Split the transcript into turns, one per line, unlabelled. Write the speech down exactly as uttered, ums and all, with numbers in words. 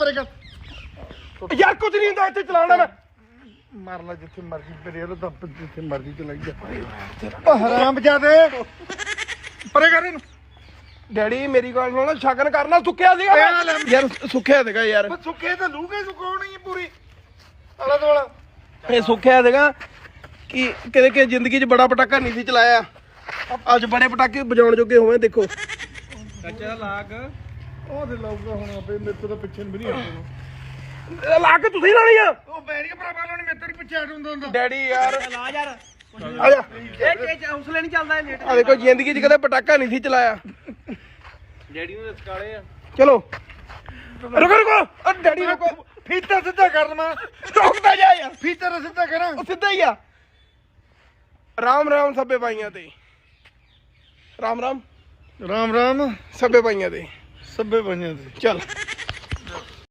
ਪਰੇ ਕਰ
ਯਾਰ ਕੁਝ ਨਹੀਂ ਹੁੰਦਾ ਇੱਥੇ ਚਲਾਉਣਾ ਮੈਂ
ਮਾਰ ਲੈ ਜਿੱਥੇ ਮਰਜੀ ਪਰੇ ਉਹ ਤਾਂ ਜਿੱਥੇ ਮਰਜੀ ਚਲਾਈ ਜਾ ਉਹ ਹਰਾਮ ਜਾਦੇ ਪਰੇ ਕਰ ਇਹਨੂੰ
ਡੈਡੀ ਮੇਰੀ ਗੱਲ ਸੁਣੋ ਸ਼ਗਨ ਕਰਨਾ ਸੁੱਕਿਆ ਸੀਗਾ ਮੈਂ। ਯਾਰ ਸੁੱਕਿਆ ਸੀਗਾ ਯਾਰ
ਸੁੱਕੇ ਤਾਂ ਲੂਗੇ ਸੁਕਾਉਣੀ ਹੈ ਪੂਰੀ ਆਲਾ ਦੁਆਲਾ
ਇਹ ਸੁੱਕਿਆ ਸੀਗਾ ਕਿ ਕਿਤੇ ਕਿ ਜ਼ਿੰਦਗੀ 'ਚ ਬੜਾ ਪਟਾਕਾ ਨਹੀਂ ਸੀ ਚਲਾਇਆ ਅੱਜ ਬੜੇ ਪਟਾਕੇ ਵਜਾਉਣ ਜੋਗੇ ਹੋਏ ਦੇਖੋ
ਚਾਚਾ ਲਾਗ
ਉਹ ਤੇ ਲਾਊਗਾ ਹੁਣ ਆਪੇ ਮੇਰੇ ਤੋਂ ਤਾਂ ਪਿੱਛੇ ਵੀ ਨਹੀਂ ਆਉਂਦਾ
ਲਾ ਕੇ ਤੁਸੀਂ ਲਾਣੀ ਆ
ਉਹ ਬੈਰੀ ਭਰਾਵਾ ਲਾਉਣੀ ਮੇਰੇ ਤੋਂ ਪਿੱਛੇ ਹਟ ਹੁੰਦਾ ਹੁੰਦਾ
ਡੈਡੀ ਯਾਰ
ਲਾ ਯਾਰ
ਆ ਜਾ
ਇਹ ਇਹ ਹੌਸਲੇ ਨਹੀਂ ਚੱਲਦਾ ਇਹ ਲੇਟ
ਆ ਦੇਖੋ ਜ਼ਿੰਦਗੀ 'ਚ ਕਦੇ ਪਟਾਕਾ ਨਹੀਂ ਸੀ ਚਲਾਇਆ
ਡੈਡੀ ਨੂੰ ਸਕਾਲੇ ਆ
ਚਲੋ ਰੁਕੋ ਰੁਕੋ ਓ ਡੈਡੀ ਰੁਕੋ
ਫੀਤਾ ਸਿੱਧਾ ਕਰ ਮੈਂ
ਰੁਕਦਾ ਜਾ ਯਾਰ
ਫੀਤਾ ਤਾਂ ਸਿੱਧਾ ਕਰਾਂ
ਉਹ ਸਿੱਧਾ ਹੀ ਆ ਰਾਮ ਰਾਮ ਸਭੇ ਭਾਈਆਂ ਤੇ ਰਾਮ ਰਾਮ
ਰਾਮ ਰਾਮ
ਸਭੇ ਭਾਈਆਂ ਤੇ
ਸੱਬੇ ਪੰਜਾਂ ਦੇ
ਚੱਲ